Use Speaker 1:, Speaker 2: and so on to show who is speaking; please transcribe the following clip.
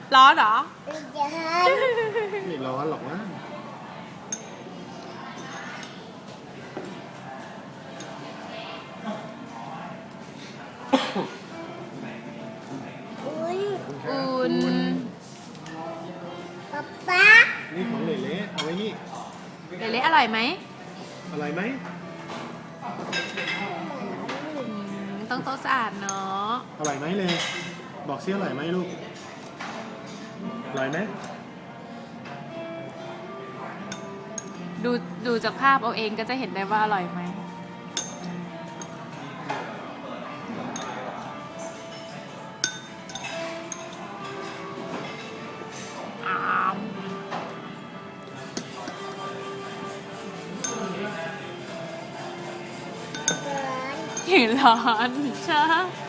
Speaker 1: ร้อนเหรอ
Speaker 2: ไม่ร้อนหรอกนะ
Speaker 1: อุ่น
Speaker 3: ป๊า
Speaker 2: นี่ของเหลๆเอาไว้นี่
Speaker 1: เละๆอร่อยไหม
Speaker 2: อร่อยไหม
Speaker 1: ต้องโต๊ะสะอาดเนาะ
Speaker 2: อร่อยไหมเลย บอกซิอร่อยไหมลูก อร่อยไหม
Speaker 1: ดูจากภาพเอาเองก็จะเห็นได้ว่าอร่อยไหมอ้าวเห็นร้อนใช่